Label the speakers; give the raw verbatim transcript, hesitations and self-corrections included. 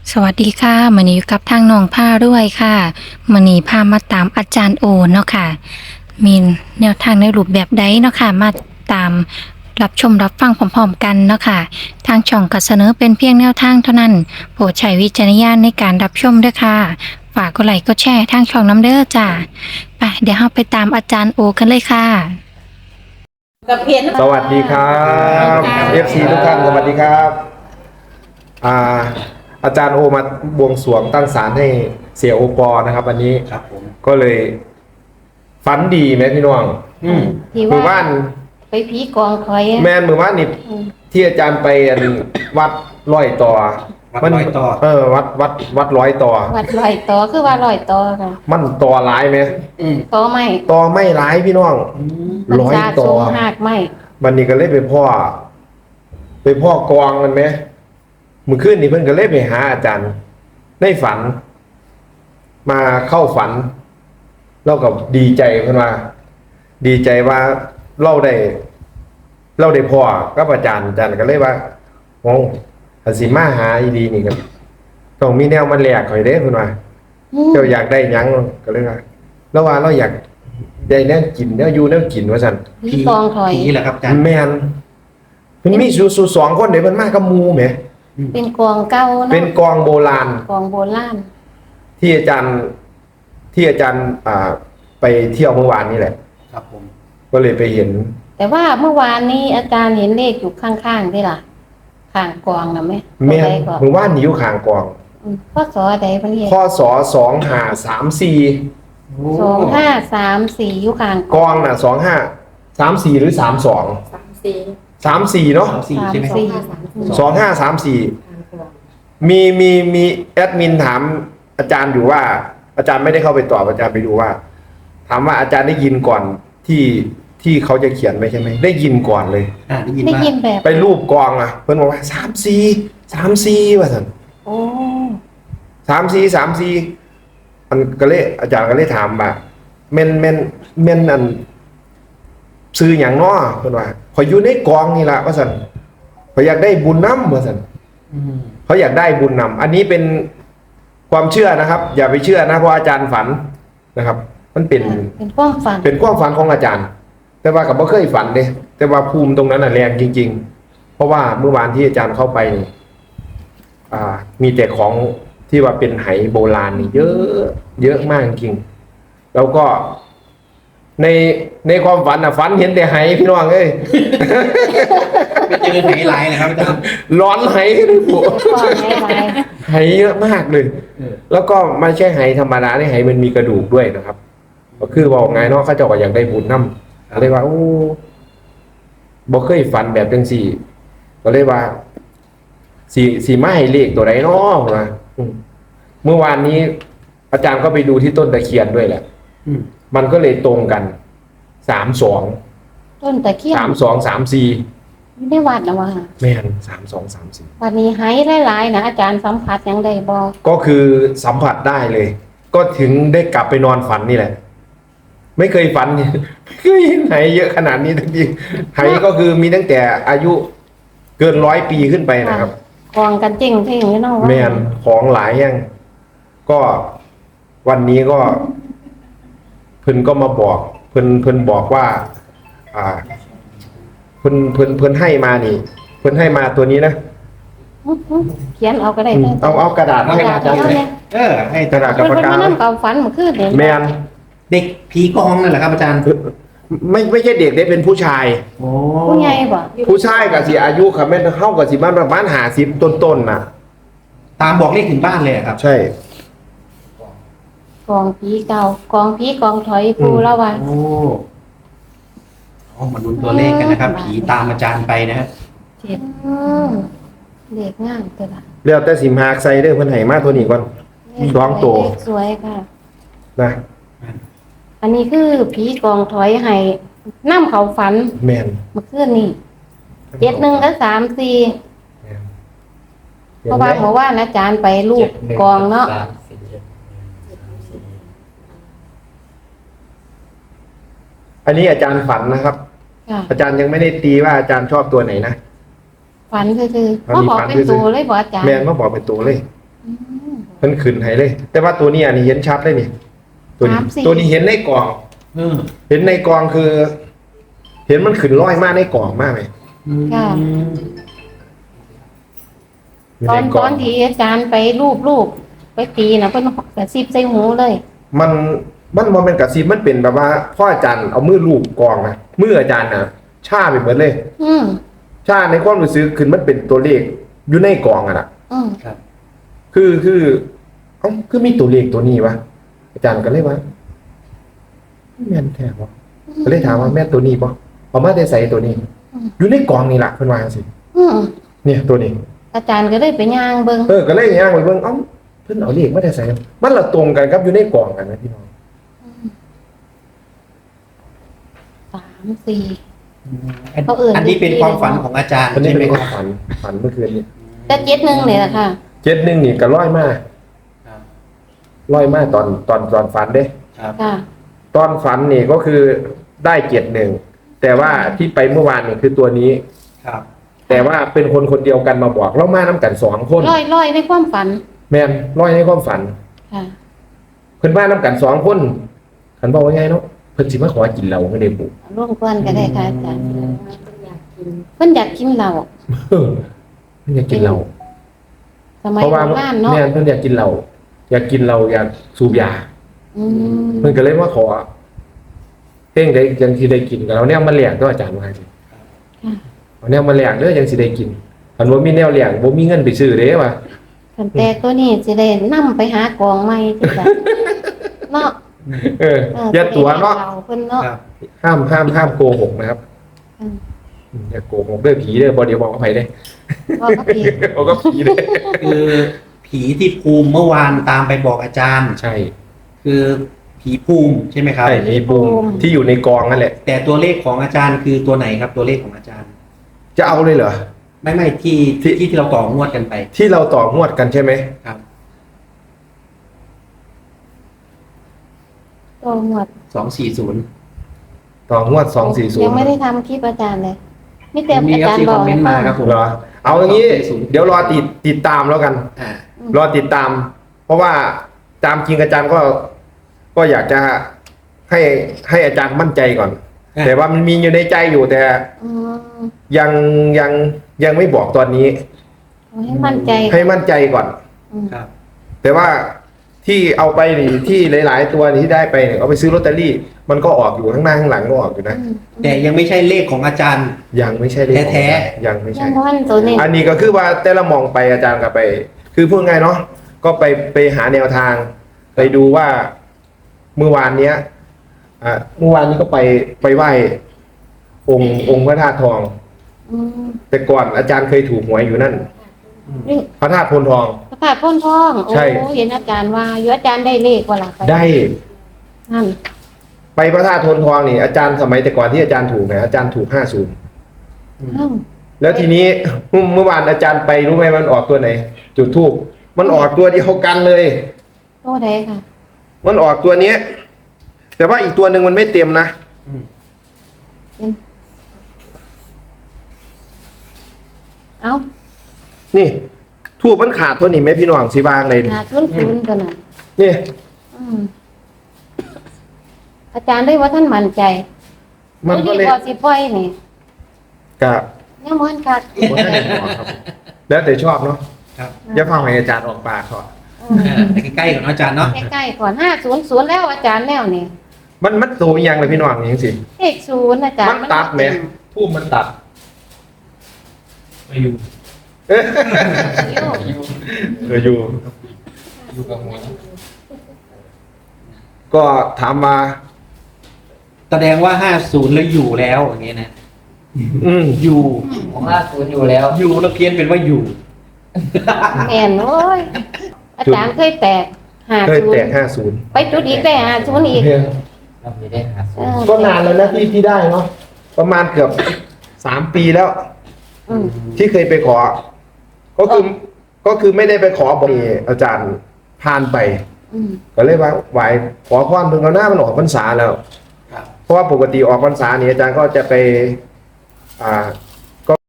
Speaker 1: สวัสดีค่ะมื้อนี้อยู่กับทางน้องผ้าด้วยค่ะมื้อนี้พามาตามอาจารย์โอเนาะค่ะมีแนวทางในรูปแบบใดเนาะค่ะมาตามรับชมรับฟังพร้อมๆกันเนาะค่ะทางช่องก็เสนอเป็นเพียงแนวทางเท่านั้นโปรดใช้วิจารณญาณในการรับชมด้วยค่ะฝากกดไลค์กดแชร์ทางช่องน้ำเด้อจ้าไปเดี๋ยวเราไปตามอาจารย์โอกันเลยค่ะ
Speaker 2: กับเพียน
Speaker 3: สวัสดีครับ เอฟ ซี ทุกท่านสวัสดีครับอ่าอาจารย์โอมาบวงสรวงตั้งศาลให้เสียโอปอนะครับวันนี้
Speaker 4: ครับผม
Speaker 3: ก็เลยฝันดีไหมพี่น้อง
Speaker 4: อืม
Speaker 2: ที่
Speaker 3: มือ
Speaker 2: ว่า
Speaker 3: ว่าน
Speaker 2: ไปผีกองคอย
Speaker 3: แมนมือว่านนี่
Speaker 2: อืม
Speaker 3: ที่อาจารย์ไปอันวัดร้อยต่อ
Speaker 4: วัด
Speaker 3: มัน
Speaker 4: ร้อยต่อ
Speaker 3: เออวัดวัดวัดร้อยต่อ
Speaker 2: วัดลอยต่อคือว่าลอยต่อค่ะ
Speaker 3: มันต่อหลายไหม
Speaker 4: อืม
Speaker 2: ต่อไม่
Speaker 3: ต่อไม่หลายพี่น้อง
Speaker 2: มัน
Speaker 3: ร้อย
Speaker 2: สา
Speaker 3: ต่
Speaker 2: สู
Speaker 3: อ
Speaker 2: งหากไม่
Speaker 3: วันนี้ก็เลยไปพ่อ ไปพ่อกองกันไหมเมื่อคืนนี้เพิ่นก็เลยไปหาอาจารย์ในฝัน มาเข้าฝันเราก็ดีใจเพิ่นว่า ดีใจว่าเราได้ เราได้พ่อกับอาจารย์อาจารย์ก็เลยว่าโอ้อันสิมาหาอีดีนี่ก็ต้องมีแนวมาแลกข่อยเด้เพิ่นว่า
Speaker 2: อืม
Speaker 3: เจ้าอยากได้หยังก็เลยว่าแล้วว่าเราอยากได้แนวกินแนวอยู่แนวกินว่าซั่น
Speaker 2: ผีกองคอย
Speaker 4: ผีเหรอครับอาจารย์
Speaker 3: แมนมันมีสูสูสองคนเดี๋ยวมันมากับหมูไหม
Speaker 2: เป็นกองเก่าเนาะ
Speaker 3: เป็นกองโบราณ
Speaker 2: กองโบราณ
Speaker 3: ที่อาจารย์ที่อาจารย์อ่าไปเที่ยวเมื่อวานนี่แหละ
Speaker 4: ครับผม
Speaker 3: ก็เลยไปเห็น
Speaker 2: แต่ว่าเมื่อวานนี้อาจารย์เห็นเลขอยู่ข้างๆด้วยล่ะข้างกองนะไหม
Speaker 3: แม่น
Speaker 2: ตัวใดก่อน
Speaker 3: เมื่อวานนี้อยู่ข้างกอง
Speaker 2: อืมข้อสอใดเพิ่นเรียก
Speaker 3: ข้อสอสองห้าสามสี่
Speaker 2: สองห้าสามสี่อยู่ข้าง
Speaker 3: กองน่ะสองห้าสามสี่หรือสามสอง
Speaker 5: สามสี่
Speaker 3: สามสี่เนาะ
Speaker 4: สามสี่
Speaker 2: สาม
Speaker 4: ใช่ไหม
Speaker 2: สี่
Speaker 3: สองห้าสามสี่
Speaker 5: ทางกลาง
Speaker 3: มีมีมีแอดมินถามอาจารย์อยู่ว่า อาจารย์ไม่ได้เข้าไปตอบอาจารย์ไปดูว่า ถามว่าอาจารย์ได้ยินก่อนที่ที่เขาจะเขียนไว้ใช่ไหมได้ยินก่อนเลย
Speaker 4: อ่าได้ยิน
Speaker 2: ได้
Speaker 4: ว่า
Speaker 2: ยินแบบ
Speaker 3: ไปรูปกองอ่ะ เพื่อนบอกว่าสามสี่สามสี่ว่าสัน
Speaker 2: โอ้
Speaker 3: สามสี่สามสี่มันก็เลยอาจารย์ก็เลยถามว่าเมนเมนเมนอันซื้ออย่างน้อเพื่อนว่าขอยอยู่ในกองนี่แหละว่าสันขอยอยากได้บุญน้ำว่าสัน
Speaker 4: อืม
Speaker 3: เขาอยากได้บุญนำอันนี้เป็นความเชื่อนะครับ อย่าไปเชื่อนะเพราะอาจารย์ฝันนะครับ มันเป็น
Speaker 2: เป็นความฝัน
Speaker 3: เป็นความฝันของอาจารย์ แต่ว่ากับบ่เคยฝันเลยแต่ว่าภูมิตรงนั้นน่ะแรงจริง ๆ เพราะว่าเมื่อวานที่อาจารย์เข้าไปนี่อ่า มีแต่ของที่ว่าเป็นไหโบราณนี่เยอะ เยอะมากจริงๆแล้วก็ในในความฝันน่ะฝันเห็นแต่ไหพี่น้องเอ้ย
Speaker 4: ไปเจอไหนไลน์นะครับอาจารย์
Speaker 3: ร้อนไห
Speaker 2: ความไหไห
Speaker 3: ไหเยอะมากเลย
Speaker 4: เออ
Speaker 3: แล้วก็ไม่ใช่ไหธรรมดาในไหมันมีกระดูกด้วยนะครับ ก็คือบอกไงเนาะเขาเจ้าก็อยากได้บุญน้ำก็เลยว่าโอ้บ่เคยฝันแบบจังสี่ ก็เลยว่าสีสีไม้เลขตัวไหนเนาะมาอืมเมื่อวานนี้ อาจารย์ก็ไปดูที่ต้นตะเคียนด้วยแหละ
Speaker 4: อืม
Speaker 3: มันก็เลยตรงกันสามสอง
Speaker 2: ต้นตะเคียน
Speaker 3: สามสองสามสี่
Speaker 2: ไม่ได้วัดนะว่า
Speaker 3: แม่นสามสองสามสี่
Speaker 2: วันนี้หายหลายๆนะอาจารย์สัมผัสยังได้บอก
Speaker 3: ก็คือสัมผัสได้เลย ก็ถึงได้กลับไปนอนฝันนี่แหละ ไม่เคยฝัน ไม่เคยเห็นไหเยอะขนาดนี้ทั้งทีไหก็คือมีตั้งแต่อายุเกินร้อยปีขึ้นไปนะครับ
Speaker 2: กองกันจริงที่อย่างนี้เนาะว่า
Speaker 3: แมนของหลายอย่างก็วันนี้ก็ เพิ่นก็มาบอก เพิ่นเพิ่นบอกว่า อ่า เพิ่นเพิ่นเพิ่นให้มานี่ เพิ่นให้มาตัวนี้นะ
Speaker 2: อื้อหือเขียนเอาก็ได้
Speaker 3: อืม
Speaker 2: ด้
Speaker 3: เอาเอากระดาษ
Speaker 2: กระ
Speaker 3: ให้
Speaker 2: ดาษ
Speaker 3: อาจารย์
Speaker 2: เอา
Speaker 3: หน่อย
Speaker 2: เนี่ย
Speaker 4: เออ ให้
Speaker 3: กระดาษกับ
Speaker 2: เพิ่น
Speaker 3: ปาก
Speaker 2: เพิ่น
Speaker 3: กา
Speaker 2: มานั่งกับฝันเมื่อคืนเนี่ย
Speaker 3: แมน
Speaker 4: เด็กผีกองนั่นแหละครับอาจารย์
Speaker 3: ไม่ไม่ใช่เด็กได้เป็นผู้ชาย
Speaker 4: โอ้
Speaker 2: ผู้ใหญ่บ่
Speaker 3: ผู้ชายกับสิอายุครับแม่นเข้ากับสิบ้านประมาณหาสิบต้นๆน่ะ
Speaker 4: ตามบอกเลขถึงบ้านเลยอะครับ
Speaker 3: ใช่
Speaker 2: กองผีเก่ากองผีกองถอยปู
Speaker 3: อืม
Speaker 2: แล้วว่า
Speaker 4: โอ้เอามาดูตัวเลขกันนะครับ ผีตามอาจารย์ไปนะฮะ
Speaker 2: เจ็ดเด็กงามตัวละ
Speaker 3: เรียวแต่สิมหากใส่เด้อเพิ่นให้มาตัวนี้ก่อน สองตัว
Speaker 2: เลขสวยค่ะ
Speaker 3: นะ
Speaker 2: อันนี้คือผีกองถอยให้น้ำเขาฝัน
Speaker 3: แม่น
Speaker 2: เมื่อคืนนี่เจ็ดหนึ่งกับสามสี่
Speaker 3: แม่น
Speaker 2: เพราะว่าเมื่อวานอาจารย์ไปลูกกองเนาะ
Speaker 3: อันนี้อาจารย์ฝันนะครับ
Speaker 2: ค่ะ
Speaker 3: อาจารย์ยังไม่ได้ตีว่าอาจารย์ชอบตัวไหนนะ
Speaker 2: ฝันคือคือ
Speaker 3: อัน
Speaker 2: พ่อ
Speaker 3: นี้
Speaker 2: บอก
Speaker 3: ฝัน
Speaker 2: เป็น
Speaker 3: คือ
Speaker 2: ตัวเลยบอกอาจารย์
Speaker 3: แม่นมาบอกเป็นตัวเลย
Speaker 2: ออืม
Speaker 3: เพิ่นขึ้นให้เลย แต่ว่าตัวนี้อันนี้เห็นชัดเลยนี่ตัวนี้
Speaker 2: สามสี่
Speaker 3: ตัวนี้เห็นในกล่อง
Speaker 4: เออ
Speaker 3: เห็นในกล่องคือ เห็นมันขึ้นร้อยมากในกล่องมากไหม
Speaker 2: ค่ะ
Speaker 3: อยู่
Speaker 2: ตอ
Speaker 3: ใน
Speaker 2: น
Speaker 3: ก
Speaker 2: ต
Speaker 3: ล่
Speaker 2: อนที่อาจารย์ไปรูปรูปไปตีนะเพิ่นกระซิบใส่หูเลย
Speaker 3: มันมันมันเป็นกระซิบมันเป็นแบบว่าพ่ออาจารย์เอามือลูบกล่องนะมืออาจารย์นะชาไปเหมือนเลย
Speaker 2: อืม
Speaker 3: ชาในความรู้สึกขึ้นมันเป็นตัวเลขอยู่ในกล่องอะนะ
Speaker 2: อืม
Speaker 4: ครับ
Speaker 3: คือคือเอ้าคือมีตัวเลขตัวนี้วะอาจารย์ก็เลยว่าแม่นแท้ปะก็เลยถามว่าแม่นตัวนี้ปะเอามาได้ใส่ตัวนี้ อยู่ในกล่องนี่แหละเพิ่นว่าจังซี่
Speaker 2: อืม
Speaker 3: เนี่ยตัวนี้
Speaker 2: อาจารย์ก็เลยไปย่างเบิ่ง
Speaker 3: เออก็เลยย่างไปเบิ่งเอ้าเพิ่นเอาเลขมาได้ใส่มันละตรงกันครับอยู่ในกล่องกันนะพี่น้อง
Speaker 2: สามสี่
Speaker 4: อัน
Speaker 2: เขาเอิ่น
Speaker 4: อันนี้เป็นความฝันของอาจารย์
Speaker 3: อันนี้
Speaker 4: ใช่ไหม
Speaker 3: เป็นค
Speaker 4: ครั
Speaker 3: วา
Speaker 4: บ
Speaker 3: มฝันฝันเมื่อคืนนี้
Speaker 2: แต่เจ็ดหนึ่งเลยล่ะค่ะ
Speaker 3: เจ็ดหนึ่งนี่ก็ร้อยมาก
Speaker 4: ครับ
Speaker 3: ร้อยมากตอนตอนตอนฝันเด้
Speaker 4: ครับ
Speaker 2: ค่ะ
Speaker 3: ตอนฝันนี่ก็คือได้เจ็ดหนึ่งแต่ว่าที่ไปเมื่อวานนี่คือตัวนี้
Speaker 4: ครับ
Speaker 3: แต่ว่าเป็นคนคนเดียวกันมาบอกเรามาน้ำกันสองคน
Speaker 2: ร้อยร้อยในความฝัน
Speaker 3: แมนร้อยในความฝัน
Speaker 2: ค่ะ
Speaker 3: เพิ่นมาน้ำกันสองคนขันบอกว่าไงเนาะเพิ่นสิมาขอกินเหล้าไม่ได้บุ
Speaker 2: ร่วมกันก็ได้ค่ะอาจารย์เพิ่นอยากกินเหล้า
Speaker 3: เออเพิ่นอยากกินเหล้า
Speaker 2: สมัย
Speaker 3: เพราะ
Speaker 2: โบ
Speaker 3: ว่า
Speaker 2: ราณเนาะ
Speaker 3: แม่นเพิ่นอยากกินเหล้าอยากกินเหล้าอยากสูบยา
Speaker 2: อืม
Speaker 3: เพิ่นก็เลยมาขอเพ่งได้ยังสิได้กินกับเราเนี่ยมาเลี้ยงก็อาจารย์ว่าสิ
Speaker 2: ค่ะ
Speaker 3: เอาเนี่ยมาเลี้ยงเด้อยังสิได้กินอันบ่มีแนวเลี้ยงบ่มีเงินไปซื้อเด้ว่า
Speaker 2: คันแต่ตัวนี้สิได้นำไปหากองใหม่จังซั่นเนาะ
Speaker 3: เออ
Speaker 2: เออ
Speaker 3: อย่าตัวเนาะ
Speaker 2: สิได้เพิ่นเนาะ
Speaker 4: ครับ
Speaker 3: ห้ามห้ามห้ามโกหกนะครับ
Speaker 2: อืม
Speaker 3: อืมอย่าโกหกเด้อผีเด้อบ่เดี๋ยวบอกกับไผเด้
Speaker 2: ว่าก็ผิด
Speaker 3: บอกกับผีเด้
Speaker 4: คือผีที่ภูมิเมื่อวานตามไปบอกอาจารย์
Speaker 3: ใช่
Speaker 4: คือผีภูมิใช่ไหมครับ
Speaker 3: ใช่มีปุ่มที่อยู่ในกองนั่นแหละ
Speaker 4: แต่ตัวเลขของอาจารย์คือตัวไหนครับ ตัวเลขของอาจารย์
Speaker 3: จะเอาเลยเหรอ
Speaker 4: ไม่ไม่ที่
Speaker 3: ที่
Speaker 4: ที่ที่เราต่องวดกันไป
Speaker 3: ที่เราต่องวดกันใช่ไหม
Speaker 4: ครับ
Speaker 2: ตัวหมวด
Speaker 4: สองสี่ศูนย์
Speaker 3: ต่องวดสองสี่ศูนย์
Speaker 2: ยังไม่ได้ทำคลิปอาจารย์เลยมีแต่
Speaker 4: มี
Speaker 2: อา
Speaker 4: ครับ
Speaker 2: จารย์
Speaker 4: ที่
Speaker 2: บ
Speaker 4: ค
Speaker 2: อ
Speaker 4: อก มเมนต์มาครับผม
Speaker 3: เหรอเอาอย่างนี้
Speaker 4: สองสี่ศูนย์
Speaker 3: เดี๋ยวรอติดติดตามแล้วกัน
Speaker 4: อ่า
Speaker 3: รอติดตาม เพราะว่าตามจริงอาจารย์ก็ก็อยากจะให้ให้อาจารย์มั่นใจก่อน
Speaker 4: อ่ะ
Speaker 3: แต่ว่ามันมีอยู่ในใจอยู่แต่
Speaker 2: อืม
Speaker 3: ยังยังยังไม่บอกตอนนี้
Speaker 2: เอาให้มั่นใจ
Speaker 3: ให้มั่นใจก่อน
Speaker 2: อืม
Speaker 4: ครับ
Speaker 3: แต่ว่าที่เอาไปนี่ที่หลาย ๆ ตัวที่ได้ไปเนี่ยเอาไปซื้อลอตเตอรี่ มันก็ออกอยู่ข้างหน้าข้างหลังก็ออกอยู่นะ
Speaker 2: อืม
Speaker 4: แต่ยังไม่ใช่เลขของอาจารย์
Speaker 3: ยังไม่ใช่เลขของ
Speaker 4: แท้
Speaker 3: ยังไม่
Speaker 2: ยั
Speaker 3: ใช่
Speaker 2: งพันตัวนี้
Speaker 3: อันนี้ก็คือว่าแต่ละมองไปอาจารย์ก็ไป คือพูดง่ายเนาะก็ไปไปหาแนวทาง ไปดูว่าเมื่อวานเนี้ยอ่าเมื่อวานนี้ก็ไปไปไหว้องค์องค์พระธาตุทอง
Speaker 2: อืม
Speaker 3: แต่ก่อนอาจารย์เคยถูกหวยอยู่นั่น
Speaker 2: นี่
Speaker 3: พระธาตุพนทอง
Speaker 2: ประกาศพ่นทองโอ้
Speaker 3: ใช่
Speaker 2: เห็นอาจารย์ว่าอยู่อาจารย์ได้เลขว่าล่ะไป
Speaker 3: ได้
Speaker 2: นั่น
Speaker 3: ไปพระธาตุพนทองนี่อาจารย์สมัยแต่ก่อนที่อาจารย์ถูกเนี่ยอาจารย์ถูกห้าศูนย์
Speaker 2: อ้าว
Speaker 3: แล้วทีนี้เมื่อวานอาจารย์ไปรู้ไหมมันออกตัวไหน จุดทูบมันออกตัวเดียวกันเลย
Speaker 2: โตใดค่ะ
Speaker 3: มันออกตัวเนี้ย แต่ว่าอีกตัวหนึ่งมันไม่เต็มนะ
Speaker 2: เอ้า
Speaker 3: นี่ทูบมันขาดตัวนี้ไหมพี่น้องสีบางเลยนี่
Speaker 2: หาทุนทุนกันน่ะ
Speaker 3: นี่
Speaker 2: อืมอาจารย์ได้ว่าท่านมั่นใจ
Speaker 3: มันก็เลย
Speaker 2: ตัวนี้พอสิปล่อยนี่
Speaker 3: กะ
Speaker 2: ยังมันคัก
Speaker 3: บ่ทันได้บอกครับแล้วแต่ชอบเนาะ
Speaker 4: ครับ
Speaker 3: อย่าฟังให้อาจารย์ออกปากก่อน
Speaker 2: อืม
Speaker 4: อ่าแต่ใกล้ๆก่อนเนอะอาจารย์เนาะ
Speaker 2: ใกล้ๆก่อนห้าศูนย์ศูนย์แล้วอาจารย์แล้วนี่
Speaker 3: มันมันโตอีหยังเลยพี่น้องอย่างสิ
Speaker 2: เลขศูนย์อาจารย์
Speaker 3: มันตัดไหมทูบมันตัด
Speaker 4: ไม่อยู่
Speaker 3: เอ๊ะ
Speaker 2: อยู่
Speaker 3: เอออยู่
Speaker 4: อยู่กับหัว
Speaker 3: ก็ถามมา
Speaker 4: แสดงว่าห้าศูนย์แล้วอยู่แล้วอย่างเงี้ยนะ
Speaker 3: อืม
Speaker 4: อยู่
Speaker 5: ของล่าสุดอยู่แล้ว
Speaker 4: อยู่แล้วเพี้ยนเป็นว่าอยู่
Speaker 2: แม่นโอ้ยอาจารย์เคยแตกห้า
Speaker 3: เคย
Speaker 2: ศูน
Speaker 3: แตก
Speaker 2: ย์
Speaker 3: ห้าศูนย์
Speaker 2: ไปจุดอีกได้ห้าศูนย์อีก
Speaker 5: เราไม่ได้หา
Speaker 2: เออ
Speaker 3: ก็นานแล้วนะที่ที่ได้เนาะประมาณเกือบสามปีแล้ว
Speaker 2: อืม
Speaker 3: ที่เคยไปขอ ก็คือก็คือไม่ได้ไปขอบอกอาจารย์ผ่านไป
Speaker 2: อืม
Speaker 3: ก็เลยว่าไหวขอพรเพิ่งเอาหน้ามันออกพรรษาแล้ว
Speaker 4: ครับ
Speaker 3: เพราะว่าปกติออกพรรษาเนี่ยอาจารย์ก็จะไป อ่า